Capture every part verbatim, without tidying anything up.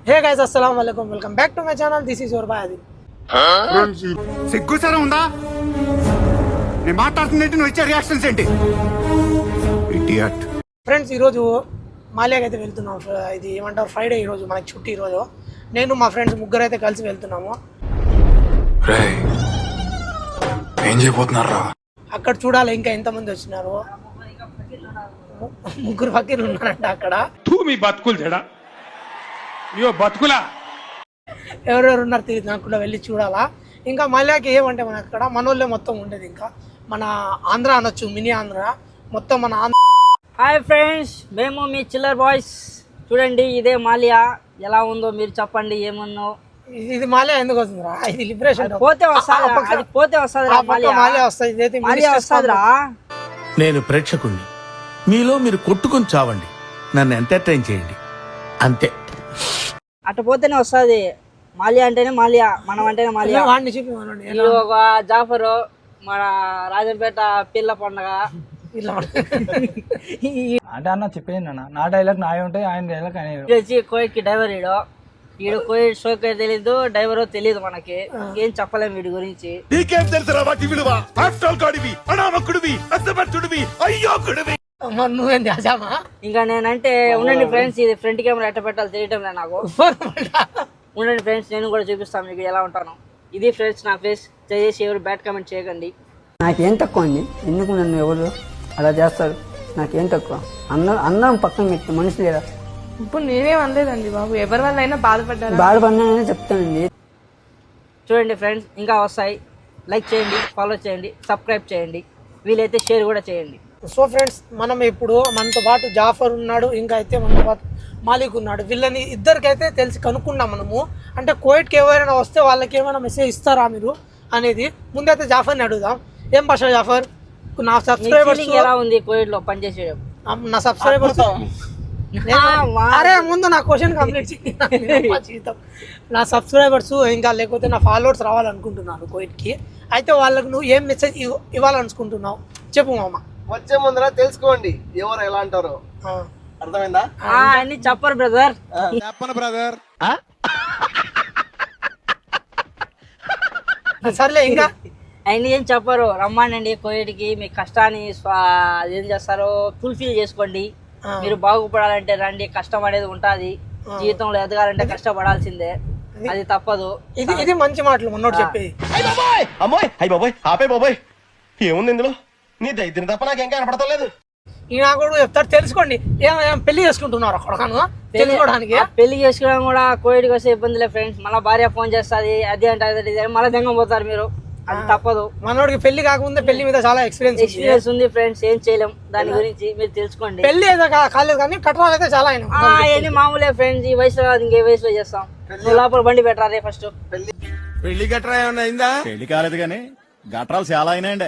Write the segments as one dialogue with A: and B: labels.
A: హే guys అస్సలాము అలైకుం welcome back to my channel this is your boy Adil.
B: Friends సిగ్గు సరే ఉందా? నేను మాట్లాడుతున్నట్టు నువ్వు ఇచ్చే రియాక్షన్స్ ఏంటి? ఇడియట్.
A: ఫ్రెండ్స్ ఈరోజు మాలియాకి అయితే వెళ్తున్నాం. ఇది ఏమంటారు ఫ్రైడే ఈరోజు మనకి చుట్టి. ఈరోజు నేను మా ఫ్రెండ్స్ ముగ్గురు అయితే కలిసి వెళ్తున్నాము.
C: ఏం చేయబోతున్నారా?
A: అక్కడ చూడాలి ఇంకా ఎంతమంది వచ్చినారు. ముగ్గురు ఫకీర్లు ఉన్నారంట అక్కడ.
D: మీ బతుకులు చెడా అయ్యో బతుకులా
A: ఎవరెవరు ఉన్నారు తెలియదు నాకు కూడా, వెళ్ళి చూడాలా. ఇంకా మాలియాకి ఏమంటే మన అక్కడ మనోళ్ళే మొత్తం ఉండేది. ఇంకా మన ఆంధ్ర అనొచ్చు, మినీ ఆంధ్ర మొత్తం మన ఆంధ్ర.
E: హాయ్ ఫ్రెండ్స్, మేము మీ చిల్లర్ బాయ్స్. చూడండి ఇదే మాలియా, ఎలా ఉందో మీరు చెప్పండి. ఏమన్నో
A: ఇది మాలియా ఎందుకు వస్తుందిరా? ఇది లిబరేషన్
E: పోతే వస్తుంది, పోతే వస్తుంది
A: మాలియా వస్తుంది,
E: మాలియా వస్తుందిరా.
F: నేను ప్రేక్షకుణ్ణి, మీలో మీరు కొట్టుకుని చావండి, నన్ను ఎంటర్టైన్ చేయండి అంతే.
E: అటు పోతేనే వస్తుంది. మాలియా అంటేనే మాలియా, మనం అంటేనే మాలియా.
A: వాడిని చెప్పి మనోడి
E: ఇది ఒక జాఫరు, మన రాజంపేట పిల్ల పండగ.
G: అంటే అన్న చెప్పేది అన్న, నా డైలాగ్ నా ఉంటాయి, ఆయన డైలాగ్ ఆయన.
E: వచ్చి కోయిట్ కి డ్రైవర్ ఈడు ఈడు కోయిట్ షోకే తెలీదు, డ్రైవరో తెలీదు మనకి. ఏం చెప్పలేము వీడి గురించి.
F: నీకేం తెలుసురా వాటి విలువ? ఆఫ్టర్ గాడివి, అనామకుడివి, అసమర్థుడివి, అయ్యోకుడివి.
A: నువ్వేంది అజామా?
E: ఇంకా నేనంటే ఉండండి ఫ్రెండ్స్, ఇది ఫ్రంట్ కెమెరా ఎట్ట పెట్టాలి తెలియటం లేదు నాకు. ఉండండి ఫ్రెండ్స్, నేను కూడా చూపిస్తాను మీకు ఎలా ఉంటాను. ఇది ఫ్రెండ్స్ నా ఫేస్. చేసి ఎవరు బ్యాడ్ కామెంట్ చేయకండి.
H: నాకేం తక్కువ అండి, ఎందుకు నన్ను ఎవరు అలా చేస్తారు? నాకేం తక్కువ? అన్న అన్నం పక్కన పెట్టి మనిషి లేదా?
I: ఇప్పుడు నేనేం అనలేదండి బాబు, ఎవరి వల్ల అయినా బాధపడ్డారు
H: బాధపడినానని చెప్తానండి.
E: చూడండి ఫ్రెండ్స్, ఇంకా వస్తాయి. లైక్ చేయండి, ఫాలో చేయండి, సబ్స్క్రైబ్ చేయండి, వీలైతే షేర్ కూడా చేయండి.
A: సో ఫ్రెండ్స్, మనం ఇప్పుడు మనతో పాటు జాఫర్ ఉన్నాడు, ఇంకా అయితే మనతో పాటు మాలిక్ ఉన్నాడు. వీళ్ళని ఇద్దరికైతే తెలిసి కనుక్కున్నాం మనము. అంటే కోయిట్కి ఎవరైనా వస్తే వాళ్ళకి ఏమైనా మెసేజ్ ఇస్తారా మీరు అనేది. ముందైతే జాఫర్ని అడుగుదాం. ఏం భాష జాఫర్? నా సబ్స్క్రైబర్స్
E: ఎలా ఉంది కోయిట్ లో పనిచేసేయడం?
A: నా సబ్స్క్రైబర్స్ అరే ముందు నా క్వశ్చన్ కంప్లీట్ చేయండి. నా సబ్స్క్రైబర్స్ ఇంకా లేకపోతే నా ఫాలోవర్స్ రావాలనుకుంటున్నాను కోయిట్కి. అయితే వాళ్ళకి నువ్వు ఏం మెసేజ్ ఇవ్వాలనుకుంటున్నావు చెప్పు మామ.
J: వచ్చే ముందర తెలుసుకోండి ఎవరు ఎలా అంటారో. అర్థమైందా?
E: అన్ని చెప్పరు బ్రదర్.
B: చెప్పను బ్రదర్.
A: సర్లే ఇంకా
E: ఆయన ఏం చెప్పరు. రమ్మానండి కోయిట్కి, మీ కష్టాన్ని ఏం చేస్తారో ఫుల్ఫిల్ చేసుకోండి. మీరు బాగుపడాలంటే రండి, కష్టం అనేది ఉంటుంది. జీవితంలో ఎదగాలంటే కష్టపడాల్సిందే, అది తప్పదు.
A: ఇది ఇది మంచి మాటలు మొన్నోడు చెప్పేది.
J: అమ్మాయి అయ్యి బాబోయ్ ఆపే బాబోయ్, ఏముంది ఇందులో? నీ దైద్యం తప్ప నాకేం కనపడతలేదు.
A: ఈయన కూడా చెప్తారు తెలుసుకోండి. ఏం పెళ్లి చేసుకుంటున్నారు అక్కడ తెలుసుకోవడానికి?
E: పెళ్లి చేసుకోవడం కూడా కోయిట్కి వస్తే ఇబ్బందిలే ఫ్రెండ్స్. మళ్ళీ భార్య ఫోన్ చేస్తుంది, అది అంటే మళ్ళీ దెంగ పోతారు మీరు, అది తప్పదు.
A: మనోడికి పెళ్లి కాకముందే పెళ్లి మీద చాలా ఎక్స్పీరియన్స్
E: ఎక్స్పీరియన్స్ ఉంది ఫ్రెండ్స్. ఏం చేయలేం దాని గురించి, మీరు తెలుసుకోండి.
A: పెళ్లి అయితే కాలేదు కానీ కట్నాలు అయితే చాలా అయినా
E: అవన్నీ మామూలే ఫ్రెండ్స్. ఈ వయసులో ఇంకే వయసులో చేస్తాం. నువ్వు లోపల బండి పెట్టాలి ఫస్ట్.
F: పెళ్లి గట్రా ఏమన్నా అయిందా? పెళ్లి కాలేదు కానీ గట్రాలు చాలా అయినాయండి.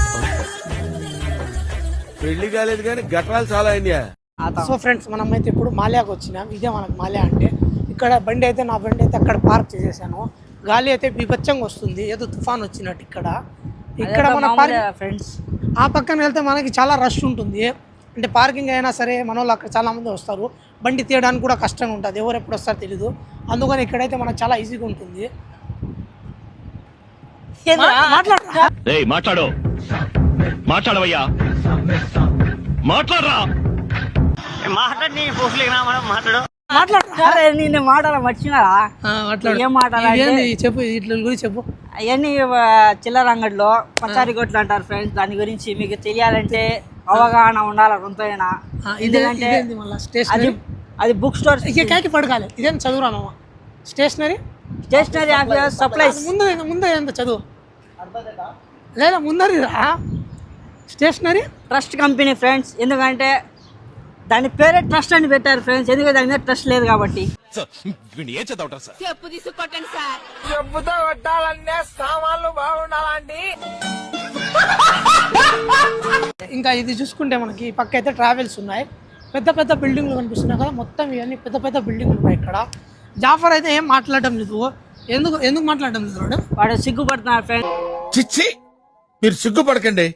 F: పెళ్లి కాలేదు కానీ గట్రాలు చాలా అయినాయా?
A: సో ఫ్రెండ్స్, మనం అయితే ఇప్పుడు మాలియాకి వచ్చినాం. ఇదే మనకు మాలియా అంటే. ఇక్కడ బండి అయితే నా బండి అయితే అక్కడ పార్క్ చేసేసాను. గాలి అయితే బీభత్సంగా వస్తుంది, ఏదో తుఫాన్ వచ్చినట్టు. ఇక్కడ ఇక్కడ మన
E: ఫ్రెండ్స్
A: ఆ పక్కన వెళ్తే మనకి చాలా రష్ ఉంటుంది. అంటే పార్కింగ్ అయినా సరే మన వాళ్ళు అక్కడ చాలా మంది వస్తారు. బండి తీయడానికి కూడా కష్టంగా ఉంటుంది, ఎవరు ఎప్పుడు వస్తారో తెలీదు. అందుకని ఇక్కడైతే మనకు చాలా ఈజీగా ఉంటుంది.
C: మాట్లాడు మాట్లాడవయ్యా, మాట్లాడరా.
J: మాట్లాడి మాట్లాడు
E: నేను మాట్లాడాల మర్చినారా? ఏం మాట్లాడాలి
A: చెప్పు, ఇట్ల గురించి చెప్పు.
E: అవన్నీ చిల్లర అంగడిలో పచారీ కొట్లు అంటారు ఫ్రెండ్స్. దాని గురించి మీకు తెలియాలంటే అవగాహన ఉండాలి కొంతైనా. ఎందుకంటే అది అది బుక్ స్టోర్
A: కేకి పడకాలి. ఇదేం చదువురా మామ? Stationery
E: stationery supplies.
A: ముందు ముందు ఎంత చదువు లేదా ముందరి స్టేషనరీ
E: ట్రస్ట్ కంపెనీ ఫ్రెండ్స్. ఎందుకంటే దాని పేరే ట్రస్ట్ అని పెట్టారు ఫ్రెండ్స్, ఎందుకంటే దాని మీద ట్రస్ట్ లేదు కాబట్టి.
A: చెప్పుతో కొట్టాలంటే సామాన్లు బాగుండాలండి. ఇంకా ఇది చూసుకుంటే మనకి పక్క అయితే ట్రావెల్స్ ఉన్నాయి. పెద్ద పెద్ద బిల్డింగ్లు కనిపిస్తున్నాయి కదా, మొత్తం ఇవన్నీ పెద్ద పెద్ద బిల్డింగ్లు ఉన్నాయి ఇక్కడ. జాఫర్ అయితే ఏం మాట్లాడటం లేదు. ఎందుకు ఎందుకు మాట్లాడటం లేదు వాడు?
E: వాడు సిగ్గుపడుతున్నాడు ఫ్రెండ్స్.
F: చిచ్చి, మీరు సిగ్గుపడకండి,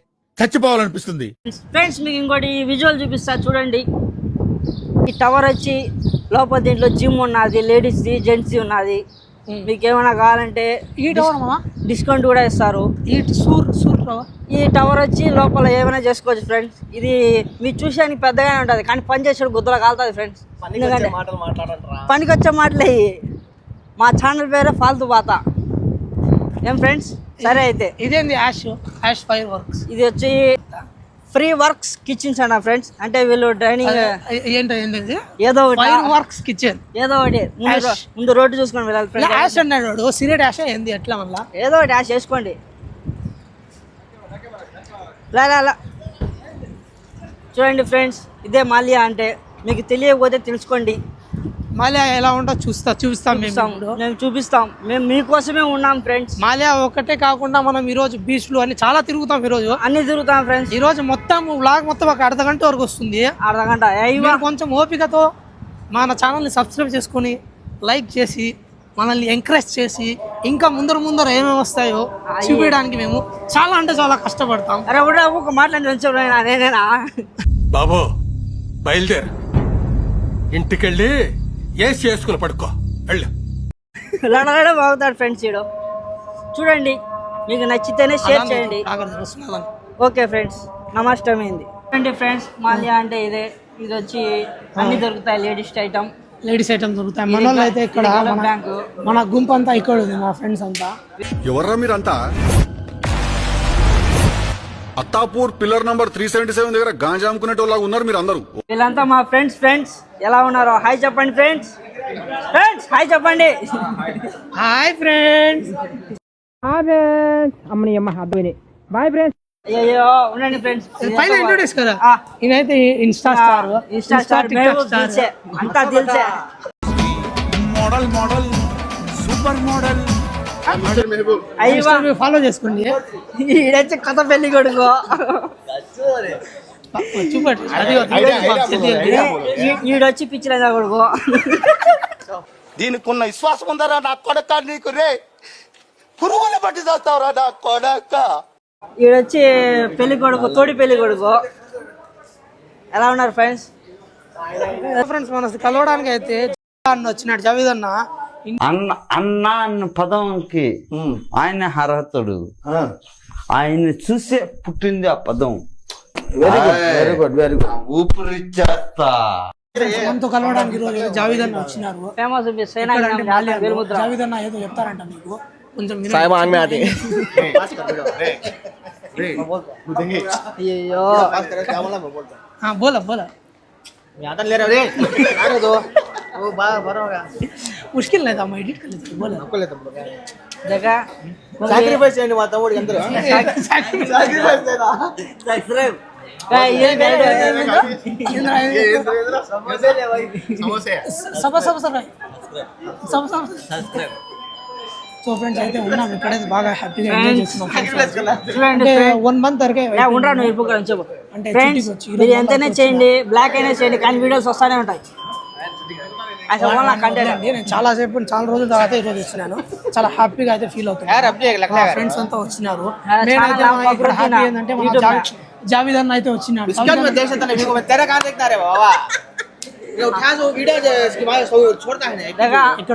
F: చచ్చిపోవాలనిపిస్తుంది.
E: ఫ్రెండ్స్ మీకు ఇంకోటి విజువల్ చూపిస్తా చూడండి. ఈ టవర్ వచ్చి లోపల దీంట్లో జిమ్ ఉన్నది, లేడీస్ది, జెంట్స్ది ఉన్నది. మీకు ఏమైనా కావాలంటే
A: ఈ టవర్ మామ
E: డిస్కౌంట్ కూడా ఇస్తారు.
A: ఈ సూర్ సూర్ టవర్
E: ఈ టవర్ వచ్చి లోపల ఏమైనా చేసుకోవచ్చు ఫ్రెండ్స్. ఇది మీరు చూసేదానికి పెద్దగానే ఉంటుంది కానీ పని చేసేది గుద్దలో కాలుతుంది ఫ్రెండ్స్. ఎందుకంటే పనికి వచ్చే మాటలే ఇవి. మా ఛానల్ పేరే ఫాల్తూ బాత. ఏం ఫ్రెండ్స్? సరే అయితే
A: ఇదేంది యాష్ యాష్ ఫైర్ వర్క్స్.
E: ఇది వచ్చి ఫ్రీ వర్క్స్ కిచెన్స్ అన్న ఫ్రెండ్స్. అంటే వీళ్ళు ట్రైనింగ్
A: ఏంటో ఏంటది
E: ఏదో ఒకటి
A: ఫైర్ వర్క్స్ కిచెన్
E: ఏదో ఒకటి ముందు రో- ముందు రోడ్డు చూసుకొని వెళ్ళాలి ఫ్రెండ్స్.
A: యాష్ అన్నాడు సిగరెట్ యాష్ ఏంది ఎట్లా మళ్ళా
E: ఏదో ఒకటి యాష్ చేసుకోండి. లా లా లా. చూడండి ఫ్రెండ్స్, ఇదే మాల్యా అంటే. మీకు తెలియకపోతే తెలుసుకోండి.
A: మాల్యా ఎలా ఉంటో చూస్తా చూపిస్తాం మేము
E: చూపిస్తాం,
A: ఇప్పుడు.
E: మేము చూపిస్తాం. మేము మీకోసమే ఉన్నాం ఫ్రెండ్స్.
A: మాల్యా ఒకటే కాకుండా మనం ఈ రోజు బీచ్లు అన్ని చాలా తిరుగుతాం. ఈ రోజు
E: అన్ని తిరుగుతాం ఫ్రెండ్స్.
A: ఈ రోజు మొత్తం వ్లాగ్ మొత్తం ఒక అర్ధ గంట వరకు వస్తుంది.
E: అర్ధ గంట అయ్యా.
A: మీరు కొంచెం ఓపికతో మన ఛానల్ని సబ్స్క్రైబ్ చేసుకొని లైక్ చేసి మనల్ని ఎంకరేజ్ చేసి ఇంకా ముందర ముందర ఏమేమి వస్తాయో చూపించడానికి మేము చాలా అంటే చాలా కష్టపడతాం.
E: అరే కూడా ఒక మాట్లాడి నేనేనా
F: బాబు బయలుదేరు, ఇంటికెళ్ళి ఏసి చేసుకుని పడుకో వెళ్ళు.
E: లడగడ బాగుతాడు ఫ్రెండ్స్. ఈడు చూడండి, మీకు నచ్చితేనే షేర్ చేయండి. ఓకే ఫ్రెండ్స్, నమస్తమైంది. చూడండి ఫ్రెండ్స్, మాల్యా అంటే ఇదే. ఇది వచ్చి అన్ని దొరుకుతాయి లేడీస్ ఐటమ్.
A: లేడీస్ ఐటమ్ దొరుకుతాయి. మన వాళ్ళు అయితే ఇక్కడ మన-
E: బ్యాంకు
A: మన గుంపు అంతా ఇక్కడ ఉంది, మా ఫ్రెండ్స్ అంతా.
B: ఎవర్రా మీరంతా Attapur pillar number three seventy seven దగ్గర గాంజా అమ్ముకునేటోళ్ళగా ఉన్నారు మీరు అందరూ.
E: వీళ్ళంతా మా ఫ్రెండ్స్. ఫ్రెండ్స్ ఎలా ఉన్నారో హాయ్ చెప్పండి ఫ్రెండ్స్. ఫ్రెండ్స్ హాయ్ చెప్పండి.
A: Hi friends.
E: అమ్మని అమ్మ అబ్బాయి బాయ్ ఫ్రెండ్స్. అయ్యో ఉండండి ఫ్రెండ్స్,
A: పైన ఇంట్రొడ్యూస్ కదా. ఇదైతే ఇన్స్టా స్టార్,
E: ఇన్స్టా స్టార్, మేము దిల్చే అంతా దిల్చే.
F: Model model super model.
E: అయ్యో
A: ఫాలో చేసుకోండి.
E: ఈడొచ్చి కొత్త పెళ్లి కొడుకు.
A: చూపండి అది
E: ఈ- ఈడొచ్చి పిచ్చిలేదా కొడుకు.
J: దీనికి ఉన్న విశ్వాసం ఉందరా నా కొడక నీకు రే పురుగుల పట్టి చేస్తావురా నా కొడక.
E: ఈడొచ్చి పెళ్లి కొడుకు, తోడి పెళ్లి కొడుకు. ఎలా ఉన్నారు ఫ్రెండ్స్?
A: ఫ్రెండ్స్ మన కలవడానికి అయితే అన్న వచ్చినాడు, జవీద్ అన్న.
K: అన్న అన్న అన్న పదంకి ఆయన అర్హతడు. ఆయన చూసే పుట్టింది ఆ పదం. Very good very good very good. ఊపిరిచ్చేస్తా.
A: మనతో కలవడానికి ఈ రోజు జావీద్ అన్న వచ్చినారు.
E: ఫేమస్
A: ఎక్కడంటే మాల్యాలో. జావీద్ అన్న ఏదో చెప్తారంట మీకు, కొంచెం వినండి.
E: అయ్యో
A: हाँ बोला बोला मुश्किल नहीं था, मैं एडिट कर लेता बोला
E: देखा
J: సాక్రిఫైస్ చేయండి మా తమ్ముడికి అందరూ.
E: सब्सक्राइब
A: सब सब सब सब सब సో ఫ్రెండ్స్ అయితే ఉన్నాం ఇక్కడైతే బాగా హ్యాపీగా ఎంజాయ్ చేస్తున్నాం. అంటే వన్ మంత్ వరకే
E: ఉండరా నువ్వు ఇప్పుడు అని చెప్పు.
A: అంటే
E: ఫ్రెండ్స్ మీరు ఎంతైనా చేయండి, బ్లాక్ అయినా చేయండి, కానీ వీడియోస్ వస్తానే ఉంటాయి. అసలు వాళ్ళ కంటెంట్
A: అండి నేను చాలా సేపు చాలా రోజుల తర్వాత ఈరోజు ఇస్తున్నాను. చాలా హ్యాపీగా అయితే ఫీల్ అవుతున్నాను. మా ఫ్రెండ్స్ అంతా వచ్చినారు. నేనైతే మా ఇక్కడ హ్యాపీ ఏంటంటే మా జావి- జావీద్ అన్న అయితే వచ్చినాడు. ఇక్కడ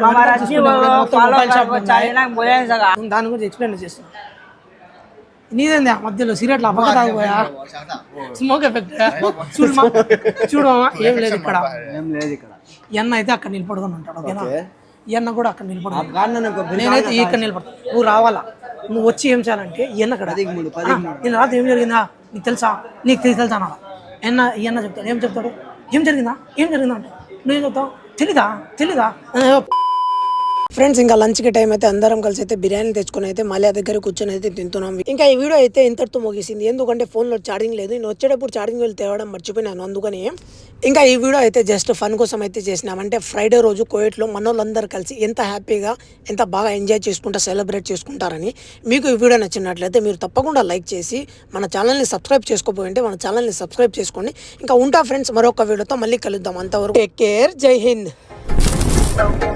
A: దాని గురించి ఎక్స్ప్లెయిన్ చేస్తాను. నీదేంది ఆ మధ్యలో సిగరెట్లు అబ్బక తాగిపోయా, స్మోక్ ఎఫెక్ట్ చూడు మా చూడు మామ, ఏం లేదు ఇక్కడ. ఈ అన్న అయితే అక్కడ నిలబడుకొని ఉంటాడు, ఓకేనా? ఈ అన్న కూడా అక్కడ నిలబడుకుంటాడు, నేనైతే ఇక్కడ నిలబడతాను. నువ్వు రావాలా, నువ్వు వచ్చి ఏం చేయాలంటే ఈ అన్న అక్కడ నేను రాత్రి ఏం జరిగిందా నీకు తెలుసా, నీకు తెలిసి తెలుసా అన్న. ఎన్న ఈ అన్న చెప్తాడు, ఏం చెప్తాడు, ఏం జరిగిందా ఏం జరిగిందా అంటే నువ్వేం చెప్తావు, తెలీదా తెలీదా. ఫ్రెండ్స్ ఇంకా లంచ్కి టైం అయితే అందరం కలిసి అయితే బిర్యానీ తెచ్చుకుని అయితే మాల్యా దగ్గర కూర్చొని అయితే తింటున్నాం. ఇంకా ఈ వీడియో అయితే ఇంతటితో ముగిసింది, ఎందుకంటే ఫోన్లో ఛార్జింగ్ లేదు. నేను వచ్చేటప్పుడు ఛార్జింగ్ వెళ్ళి తేవడం మర్చిపోయినాను, అందుకని ఇంకా ఈ వీడియో అయితే జస్ట్ ఫన్ కోసం అయితే చేసినాం. అంటే ఫ్రైడే రోజు కోవిడ్లో మన వాళ్ళందరూ కలిసి ఎంత హ్యాపీగా ఎంత బాగా ఎంజాయ్ చేసుకుంటా సెలబ్రేట్ చేసుకుంటారని. మీకు ఈ వీడియో నచ్చినట్లయితే మీరు తప్పకుండా లైక్ చేసి మన ఛానల్ని సబ్స్క్రైబ్ చేసుకోపోయింటే మన ఛానల్ని సబ్స్క్రైబ్ చేసుకోండి. ఇంకా ఉంటా ఫ్రెండ్స్, మరొక వీడియోతో మళ్ళీ కలుద్దాం. అంతవరకు టేక్ కేర్, జై హింద్.